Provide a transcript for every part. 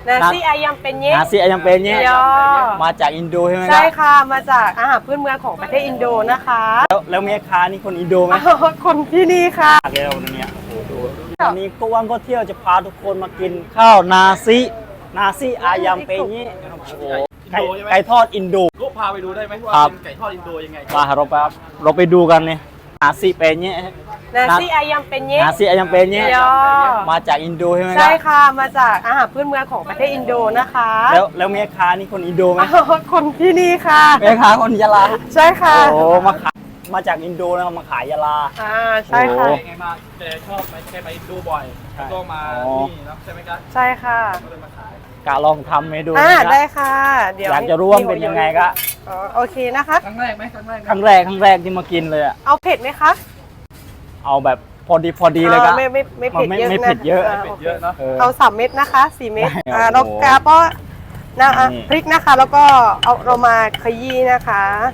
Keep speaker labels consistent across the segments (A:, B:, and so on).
A: Nasi ayam penyet
B: นาซีอายังเป็นเนี่ย
A: ย่อ
B: มาจากอินโดใช่ไหมค
A: ใช่
B: รับ
A: ค่ะ มาจากอาหารพื้นเมืองของประเทศอินโดนะคะ
B: แล้วแม่ค้านี่คนอินโดไหม
A: คนที่นี่ค่ะ
B: แล้วเนี่ยโอ้โหดูวันนี้ก็ว่างก็เที่ยวจะพาทุกคนมากินข้าวนาซีอายังเป็นเนี่ยโอ้โหไก่ทอดอินโด
C: ลูกพาไปดูได้ไหมว่า
B: ครับ
C: เป็นไก่ทอดอินโดยังไง
B: มาเราไปดูกันเนี่ยนาซีเป็นเนี่ย
A: Nasi ayam penyet
B: นาซีอายังเป็นเนี่ย
A: ย่อ
B: มาจากอินโดใช่ไหมค
A: ใช่
B: รับ
A: ค่ะ มาจากอาหารพื้นเมืองของประเทศอินโดนะคะ
B: แล้วแม่ค้านี่คนอินโดไหม
A: คนที่นี่ค่ะ
B: แม่ค้าคนยะลา
A: ใช่ค่ะ
B: โอ้มาจากอินโดนะครับมาขายยะลา
A: ใช่ค่ะ
B: โอ้
C: ไงมาแกชอบไหมแกไปดูบ่อยแล้วก็มา
B: อ๋อ
C: นี่นะใช่ไหมครับ
A: ใช่ค่ะ
C: ก็เลยมาขาย
B: กะลองทำให้ดู
A: ได้
B: นะ
A: ค่ะ เดี๋ยว
B: อยากจะรู้ว่ามันเป็นยังไงก็
A: โอเคนะคะ
C: ครั้งแรกไหมครั้งแรกไหม
B: ครั้งแรกที่มากินเลยอะ
A: เอาเผ็ดไหมคะ
B: เอาแบบพอดีเลยก็
A: ไม่เผ็ดเยอะ
B: ไม่
A: นะ
B: เผ็ดเยอะ
C: เป็ดเยอะเนาะ
A: เอา3 เม็ดนะคะ4 เม็ด
B: ได้ครับ
A: แล้ว
B: โอ้
A: กาก็นะ
B: นี่
A: พริกนะคะ แล้วก็เอาเรามาขยี้นะคะ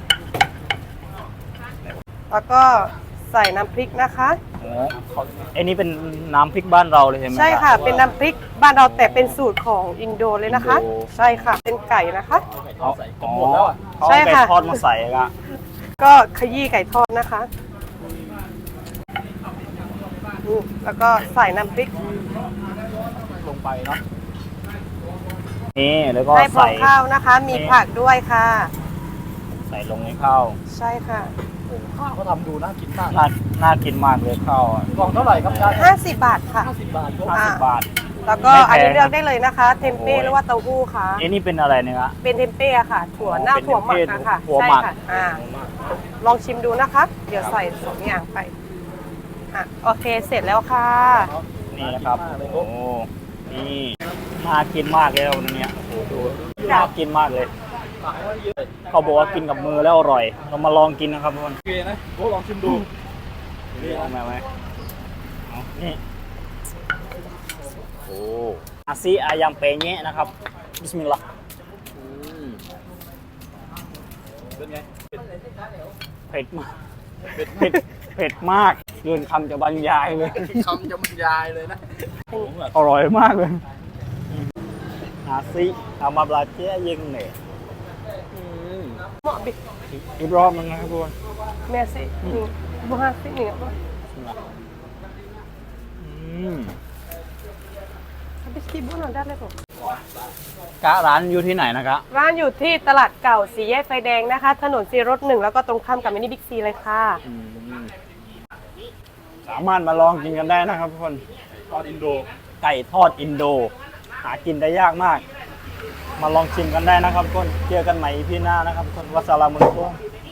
A: แล้วก็ใส่น้ำพริกนะคะ
B: โอ้ไอ้นี่เป็นน้ำพริกบ้านเราเลยใช่ไหม
A: ใช่ค่ะ เป็นน้ำพริกบ้านเราแต่เป็นสูตรของอินโดเลยนะคะ
B: อินโด
A: ใช่ค่ะ เป็นไก่นะคะ
B: เอา
C: ก็หมดแล้วอ่ะ
B: เขา
A: ใช่
B: เอาไก่
A: ค่ะ
B: ทอดมาใส่ก็
A: ก็ขยี้ไก่ทอดนะคะแล้วก็ใส่น้ำพริก
C: ลงไปเนาะ
B: นี่แล้วก็
A: ให้พร้อ
B: ใส่
A: มข้าวนะคะ มี
B: นี่
A: ผักด้วยค่ะ
B: ใส่ลงในข้าว
A: ใช่ค่ะ
C: โอ้โหข้าวเขาทำดูน่ากินมาก
B: น่ากินมากเลยข้าวอะ
C: กล่องเท่าไหร่ครับยาย
A: 50 บาทค่ะ
C: 50 บาทยก
B: 50 บาท
A: แล้วก็
B: ไม่แพง
A: อันนี้เลือกได้เลยนะคะ เทมเป้
B: โอ้ย
A: หรือว่าเต้าหู้ค่ะ
B: ไอ้นี่เป็นอะไรเนี่ยฮะ
A: เป็นเทมเป้อะค่ะ ถั่วเน่า
B: เป็น
A: ถั่วหมัก
B: เทมเป้
A: อะค่ะ
B: ถั่ว
A: ใช่
B: หมัก
A: ค่ะลองชิมดูนะคะ เดี๋ยวใส่สองอย่างไปโอเคเสร็จแล้วค่ะ
B: นี่นะครับโอ้นี่น่ากินมากเลยวันนี้โอ้โหดูน่ากินมากเลย
C: ขายไว้เยอะ
B: เขาบอกว่ากินกับมือแล้วอร่อย เรามาลองกินนะครับทุกคน
C: โอเคนะโอ้ลองชิมดู
B: นี่เอาไหมเอานี่โอ้อาซีอายังเปเนะนะครับบิสมิลลาห์
C: เป็นไง
B: เผ็ดมากเผ็ดมากเกินคำจะบรรยายเลย
C: คำจะบรรยายเลยนะ
B: อร่อยมากเลยอาซีอามาบลาเจียยิงเนี่ย
A: เหมาะบิ
B: อีกรอบนึงนะครับทุกคน
A: เมสินี่บุฮาสินี่ก็ บิสกิบุนได้เลยผม
B: กะร้านอยู่ที่ไหนนะครับ
A: ร้านอยู่ที่ตลาดเก่าสี่แยกไฟแดงนะคะ ถนนซีรถ1แล้วก็ตรงข้ามกับมินิบิ๊กซีเลยค่ะ
B: สามารถมาลองกินกันได้นะครับทุกคน
C: ทอดอินโด
B: ไก่ทอดอินโด หากินได้ยากมาก มาลองชิมกันได้นะครับทุกคนเจอกันใหม่พี่หน้านะครับทุกคนวัสสลามุอะลัยกุม